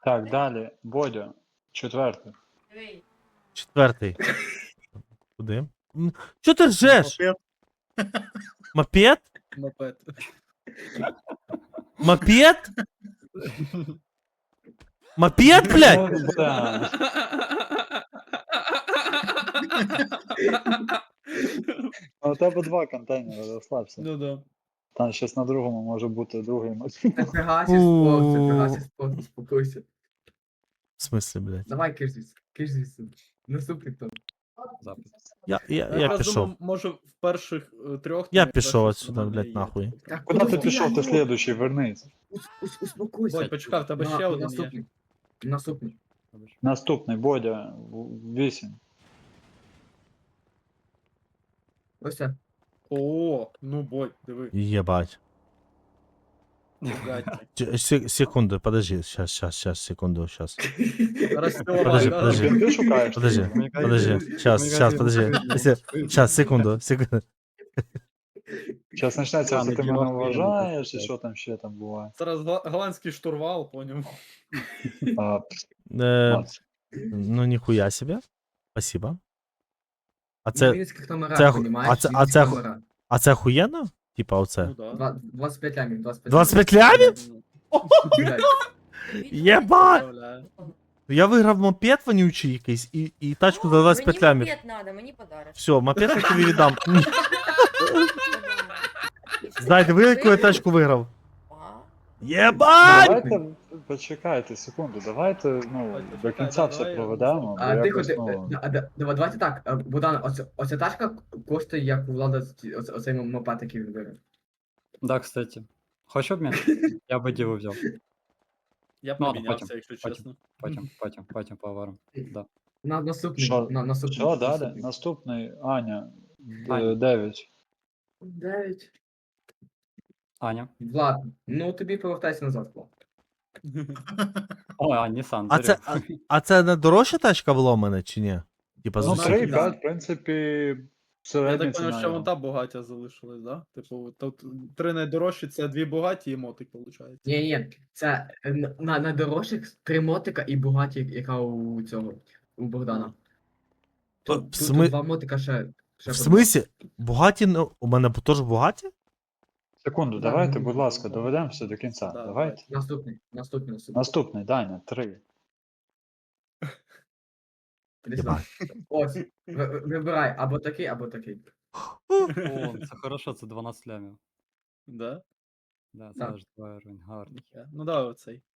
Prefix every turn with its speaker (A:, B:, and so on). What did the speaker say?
A: Так, далі. Бодя. Четвертий.
B: Диви.
C: Четвертий. Куди? Чо ти ржеш? Мопед?
D: Мопед.
C: Мопед? Мопед, блядь?
A: Ну, да. А у тебе два контейнери, розслабся.
D: Ну да.
A: Там щось на другому може бути другий мотив.
E: Фига себе спорт, фига себе спорт, успокойся.
C: В смысле, блядь?
E: Давай, киш звідси. Наступний хто?
C: Я
D: Якраз
C: пішов.
D: думав, може в перших трьох.
C: Я
D: там
C: пішов
D: якраз
C: отсюда,
D: нормально
C: блядь,
D: є.
C: нахуй.
E: Так,
A: Куди ти
E: блядь,
A: пішов, ти
E: ну,
A: слідуючий, вернись.
E: Успокойся.
D: Бодь, почекай, в тебе ще один є.
E: Наступний.
A: Наступний, Бодя, 8.
E: Ось це.
D: О, ну Бодь, диви.
C: Єбать.
D: Гадки.
C: Секунду, подожди, сейчас, секунду, сейчас.
D: Розтягай,
C: Подожди,
D: да.
C: подожди.
A: Ти шукаєш?
C: Подожди,
A: Мені
C: подожди, сейчас, подожди. Сейчас, секунду.
A: Зараз почнеться,
F: Ладно,
A: що ти
F: кіно
A: мене
F: охуєнно,
A: вважаєш, і
F: так.
A: що там ще там буває.
D: Зараз голландський штурвал, поняв.
A: А,
C: Э, Ну, нихуя себе. Спасибо. А
E: Це...
C: це,
E: Вінницьких номерах,
C: це-
E: понімаєш?
C: а це- а
E: Вінницькі
C: це-
E: номера.
C: а це охуєнно? Типа оце.
D: Ну да.
E: 25 лямів, 25
C: 25 лямів?
E: Блядь.
C: Єбать!
D: Представляю.
C: Я виграв мопед вонючий якийсь і тачку за 25 лямів.
B: Мені мопед надо, мені подарок.
C: Все, мопед я тобі віддам. Знаєте, ви яку я тачку виграв? Єбать!
A: Давайте, почекайте секунду, давайте ну, до кінця все
D: давай,
A: проведемо. бо
E: А
A: якось,
E: тихо,
A: ну,
E: давайте так, Богдан, оця тачка коштує, як у Влада оцей мопед, який він виграв.
F: Да, кстати. Хочеш обмін? Я би діло взяв.
D: Я б
F: Ну,
D: не
F: ладно,
D: мінявся,
F: потім,
D: якщо
F: потім.
D: чесно.
F: Потім поговоримо. Да.
E: Наступний,
A: Що?
E: наступний.
A: Що далі? Наступний, Аня,
F: Аня.
A: 9.
E: 9.
F: Аня.
E: Влад, ну тобі повертайся назад, Влад.
F: О, Nissan.
C: А це, а це не дорожча тачка була у мене, чи ні? Типа з
A: Ну,
D: Знаю,
C: усіх?
A: 3,5, в принципі,
D: Я
A: середня
D: так поняв,
A: ціна.
D: що вон та Бугаття залишилась, да? Типу, тут три найдорожчі, це дві Бугатті і мотик, виходить.
E: Ні, це на дорожчих 3 мотика і Бугаті, яка у цього, у Богдана. Тут,
C: В
E: тут
C: смис-
E: 2 мотика ще
C: В смислі? Бугаті, ну, у мене теж Бугаті?
A: Секунду,
E: Да,
A: давайте,
E: ну,
A: будь ласка, доведемо все до кінця.
D: Да,
A: Давайте.
E: Наступний.
A: Наступний, Даня, 3.
E: Іди сюди. Ось, вибирай, або такий, або такий.
F: О, це хорошо, це 12 лямів.
D: Да?
F: Да, це
E: Так.
F: аж 2 гривень, гарно.
D: Ну давай оцей.